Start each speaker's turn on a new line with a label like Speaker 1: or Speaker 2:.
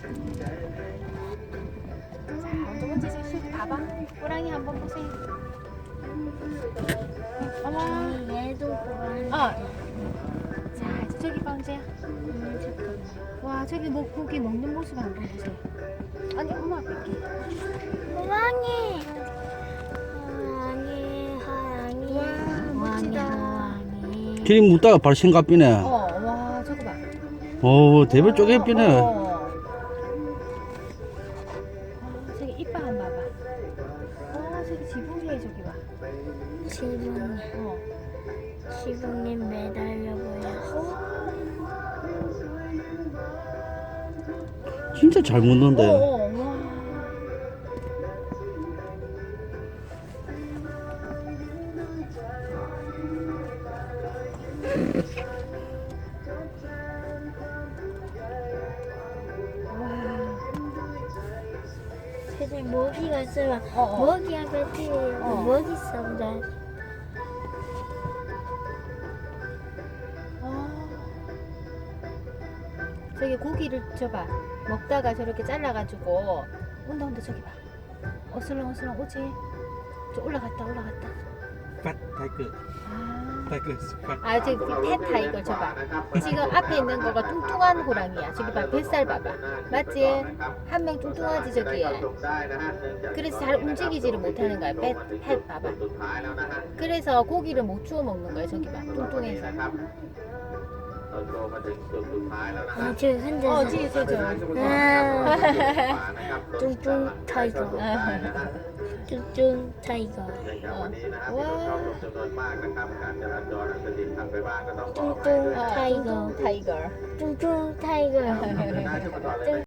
Speaker 1: 먼저 먼저 씩 봐봐. 호랑이 한번 보세요. 어머.
Speaker 2: 얘도 고라니.
Speaker 1: 자, 이제 저기 봐, 언제야? 와, 저기 고기 먹는 모습 한번 보세요. 아니, 엄마 뺄게.
Speaker 2: 호랑이. 호랑이, 호랑이.
Speaker 1: 와, 멋지다.
Speaker 2: 호랑이.
Speaker 3: 길이 묻다가 바로 신갑비네.
Speaker 1: 와, 저거 봐.
Speaker 3: 대별 쪼개 비네.
Speaker 1: 저기 이빨 한번 봐봐. 저기 지붕에 저기 봐.
Speaker 2: 지붕이. 지붕이 매달려 보여.
Speaker 3: 진짜 잘 묻는데.
Speaker 1: 와.
Speaker 2: 사실 모기가 있으면
Speaker 1: 어.
Speaker 2: 모기 앞에 모기 싸움다.
Speaker 1: 저기 고기를 줘봐. 먹다가 저렇게 잘라가지고 온다 저기 봐. 어슬렁어슬렁 오지. 저 올라갔다.
Speaker 4: Fat tiger. Tiger is fat.
Speaker 1: 저기 펫 타이거 줘봐. 지금 앞에 있는 거가 뚱뚱한 호랑이야. 저기 봐, 뱃살 봐봐. 맞지? 한 명 뚱뚱하지 저기. 그래서 잘 움직이지를 못하는 거야. 펫 봐봐. 그래서 고기를 못 주워 먹는 거야. 저기 봐, 뚱뚱해서.
Speaker 2: 저 흔들서.
Speaker 1: 지금 저.
Speaker 2: 뚱뚱 타이거. 뚱뚱 타이거.
Speaker 1: 와.
Speaker 2: 뚱뚱 타이거.
Speaker 1: 타이거.
Speaker 2: 뚱뚱 타이거.